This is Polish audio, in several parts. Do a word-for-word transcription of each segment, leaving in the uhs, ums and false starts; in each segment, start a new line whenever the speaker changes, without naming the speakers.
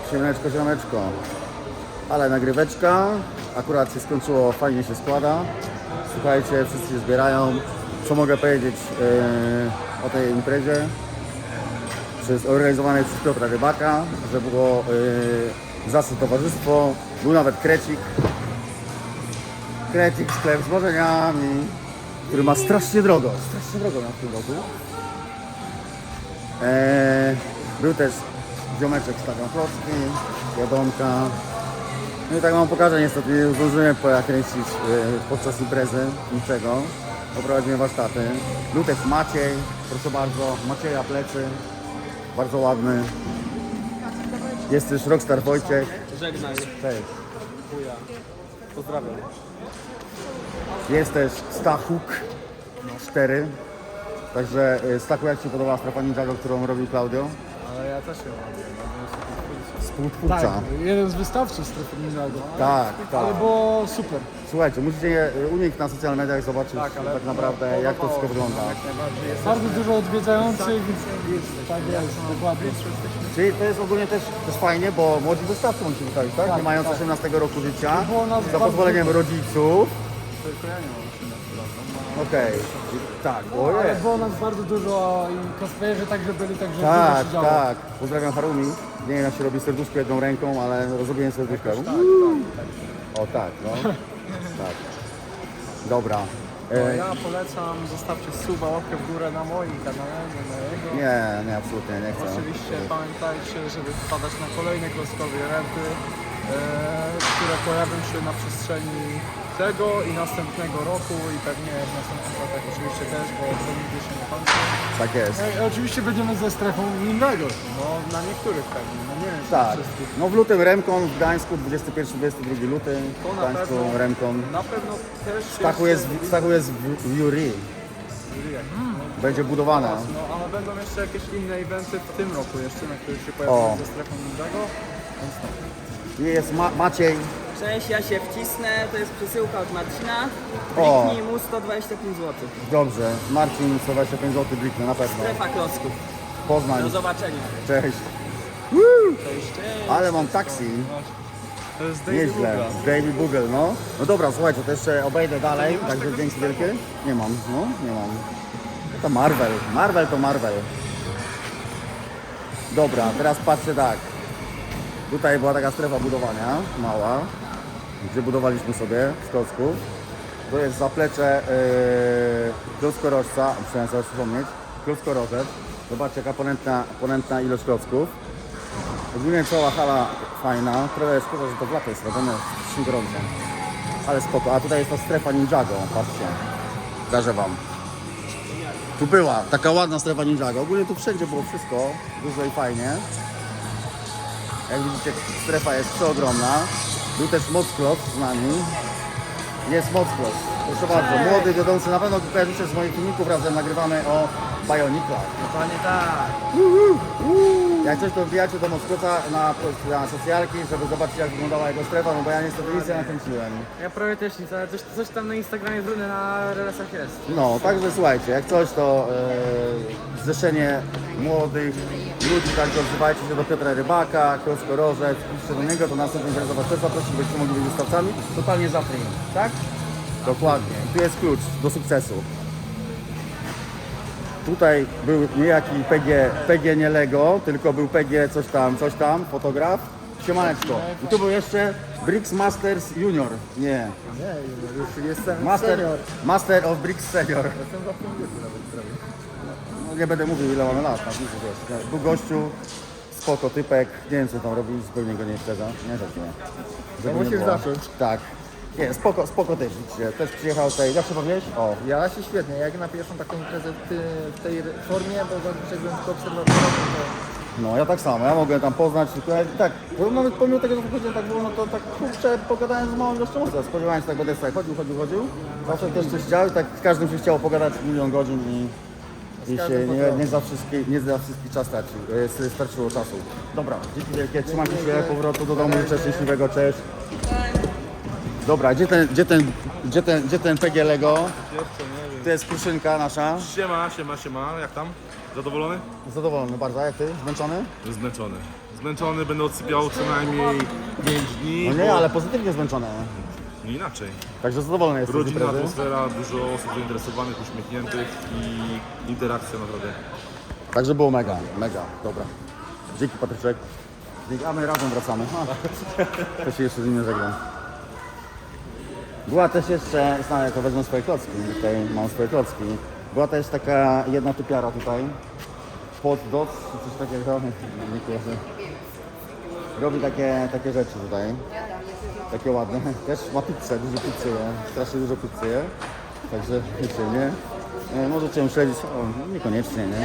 Siemaneczko, siemaneczko. Ale nagryweczka. Akurat się skończyło, fajnie się składa. Słuchajcie, wszyscy się zbierają. Co mogę powiedzieć yy, o tej imprezie? Przez, organizowanej przez Piotra Rybaka, że było yy, zacne towarzystwo. Był nawet krecik. Krecik, sklep z marzeniami, który ma strasznie drogo. Strasznie drogo na w tym roku. Eee, był też ziomeczek z taką klocki, wiadomka. No i tak wam pokażę, niestety nie zdążyłem pokręcić yy, podczas imprezy niczego. Poprowadzimy warsztaty. Był też Maciej, proszę bardzo, Macieja plecy, bardzo ładny. Jest też Rockstar Wojciech.
Żegnaj.
Cześć.
Chuja. Pozdrawiam.
Jest też Stachuk cztery. Także y, Stachu, jak Ci podobała strefa Ninjago, którą robił Claudio?
Ale ja też ją robię.
Współtwórca.
Tak, jeden z wystawców strefy Ninjago.
Tak, tak.
Ale było super.
Słuchajcie, musicie je u nich na socjalnych mediach zobaczyć tak,
ale
tak naprawdę jak to wszystko wygląda.
Bardzo dużo odwiedzających, tak jest, dokładnie.
Czyli to jest ogólnie też, też fajnie, bo młodzi wystawcy mogą się wystawić, tak?
Tak,
Nie mając
tak.
osiemnastego roku życia,
Było nas
za
bardzo
pozwoleniem
dużo.
rodziców.
Tylko ja nie mam osiemnastu lat.
Okej, tak,
Ale
ojej.
było nas bardzo dużo i cosplayerzy także byli, także
Tak,
dużo się działo.
tak. Pozdrawiam Harumi. Nie wiem, jak się robi serduszko jedną ręką, ale rozrobiłem serduszko. O tak, no. Tak. Dobra.
No,
E,
ja polecam, zostawcie suba, łapkę w górę na moim kanale, nie na jego.
nie, nie, absolutnie nie chcę.
Oczywiście pamiętajcie, żeby wpadać na kolejne klockowe eventy, e, które pojawią się na przestrzeni tego i następnego roku i pewnie w następnych latach oczywiście też, bo to nigdy się nie kończy.
Tak jest.
No i oczywiście będziemy ze strefą Ninjago.
No na niektórych pewnie, no nie wiem czy na
Tak.
wszystkich.
No w lutym Remkon w Gdańsku, dwudziestego pierwszego do dwudziestego drugiego luty.
To
W
na
Gdańsku
pewno,
Remkon.
na pewno też
Stachu jest, w- Stachu jest w, w jury. Będzie budowana.
No ale będą jeszcze jakieś inne eventy w tym roku jeszcze, na których się
O.
pojawią ze strefą Ninjago, więc no.
I jest Ma Maciej.
Cześć, ja się wcisnę, to jest przesyłka od Marcina.
O.
Kliknij mu sto dwadzieścia pięć złotych.
Dobrze. Marcin, sto dwadzieścia pięć złotych bliknę na pewno.
Strefa klocków.
Poznań.
Do zobaczenia.
Cześć.
Cześć, cześć.
Ale mam taksi.
To jest Daily
Nieźle.
Bugle.
Daily Bugle, no. No dobra, słuchajcie, to jeszcze obejdę dalej. Także dzięki wielkie. Nie mam, no, nie mam. To Marvel. Marvel to Marvel. Dobra, teraz patrzcie tak. Tutaj była taka strefa budowania, mała, gdzie budowaliśmy sobie z klocków. To jest zaplecze yy, klockorożca, musiałem sobie przypomnieć, klockorożec. Zobaczcie, jaka ponętna, ponętna ilość klocków. Ogólnie cała hala fajna, trochę szkoda, że to w lato jest robione, jest gorąco. Ale spoko, a tutaj jest ta strefa Ninjago, patrzcie. Pokażę wam. Tu była taka ładna strefa Ninjago, ogólnie tu wszędzie było wszystko, dużo i fajnie. Jak widzicie, strefa jest przeogromna. Był też Mockloss z nami. Jest Mockloss. Proszę bardzo, młody, wiodący. Na pewno kojarzycie z moich filmików, razem nagrywamy o Bioniclach.
Dokładnie tak.
Jak coś, to wbijacie do Mocklossa na, na socjalki, żeby zobaczyć, jak wyglądała jego strefa, no bo ja niestety nic nie nakręciłem.
Ja prawie też nic, ale coś, coś tam na Instagramie brudne na relacjach jest.
No, także słuchajcie, jak coś, to e, zrzeszenie młodych ludzi, także odzywajcie się do Piotra Rybaka, Klockorożec, piszcie do niego, to następnym razem was też zaprosić, byście mogli być wystawcami, totalnie za free, tak? Dokładnie. I tu jest klucz do sukcesu. Tutaj był niejaki P G, P G nie Lego, tylko był P G coś tam, coś tam, fotograf. Siemaneczko. I tu był jeszcze Bricks Masters Junior. Nie.
Nie, już jestem
Master,
senior.
Master of Bricks Senior.
Jestem w tym wieku nawet prawie.
No, nie będę mówił, ile mamy lat, tak, nic, wiesz. Był gościu, spoko typek, nie wiem co tam robi, zupełnie go nie wprzedza. Nie, tak nie. Żeby nie
musisz
było.
zacząć.
Tak. Nie, spoko, spoko typ, widzicie. Też przyjechał tutaj, jak się bawiłeś? O,
Ja się świetnie, jak na pierwszą taką imprezę w, ty, w tej formie, bo zazwyczaj byłem tylko obserwatorem, to
no ja tak samo, ja mogłem tam poznać, tylko ja, tak, bo nawet pomimo tego, że wychodziłem tak wolno, to tak kurczę, pogadałem z małą ilością osób. Spodziewałem się tak, będę sobie chodził, chodził, chodził. Zawsze też coś chciał i tak z każdym się chciało pogadać milion godzin i, i się nie, nie, za wszystkie, nie za wszystki czas stracił, e, starczyło czasu. Dobra, dzięki wielkie, trzymajcie się, powrotu do domu, życzę szczęśliwego, cześć. Dobra, gdzie ten, gdzie ten, gdzie ten, gdzie ten P G Lego?
jeszcze nie wiem.
To jest Kruszynka nasza.
Siema, siema, siema, jak tam? Zadowolony?
Zadowolony bardzo, jak ty? Zmęczony?
Zmęczony. Zmęczony, będę odsypiał co najmniej pięć dni.
No nie,
bo-
ale pozytywnie zmęczony.
Nie inaczej.
Także zadowolony jesteś z
Rodzinna
imprezy.
atmosfera, dużo osób zainteresowanych, uśmiechniętych i interakcja naprawdę.
Także było mega, mega, dobra. Dzięki Patryczek. Dzięki, a my razem wracamy. A, to się jeszcze z nim żegnam. Była też jeszcze, znamy, to wezmę swoje klocki, tutaj mam swoje klocki. Była też taka jedna typiara tutaj. Pod doc, czy coś takiego, nie kojarzę. Robi takie, takie rzeczy tutaj. Takie ładne. Też ma pizzę, dużo pizzy je. Strasznie dużo pizzy je. Także wiecie, nie? E, możecie ją śledzić, o, niekoniecznie, nie?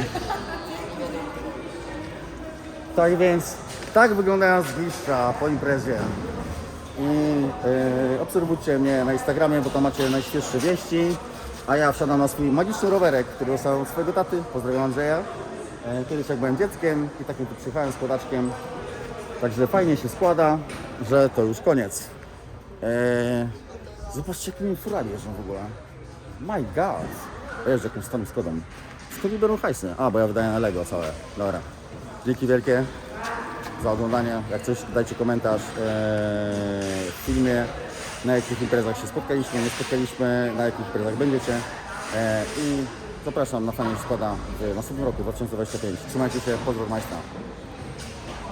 Tak więc, tak wyglądają zgliszcza po imprezie. I e, obserwujcie mnie na Instagramie, bo tam macie najświeższe wieści. A ja wsiadam na swój magiczny rowerek, który dostałem od swojego taty. Pozdrawiam Andrzeja. E, kiedyś jak byłem dzieckiem i takim tu przyjechałem z kłodaczkiem. Także fajnie się składa, że to już koniec. E, zobaczcie, jakimi furami jeżdżą w ogóle. My God. Jeżdżę jakimś stanem Skodą. Skąd biorą hajsy? A, bo ja wydaję na Lego całe. Dobra. Dzięki wielkie za oglądanie. Jak coś, dajcie komentarz ee, w filmie, na jakich imprezach się spotkaliśmy, nie spotkaliśmy, na jakich imprezach będziecie. E, I zapraszam na fajnie składa w następnym roku, dwa tysiące dwudziestym piątym. Trzymajcie się, pozdrow Majstra.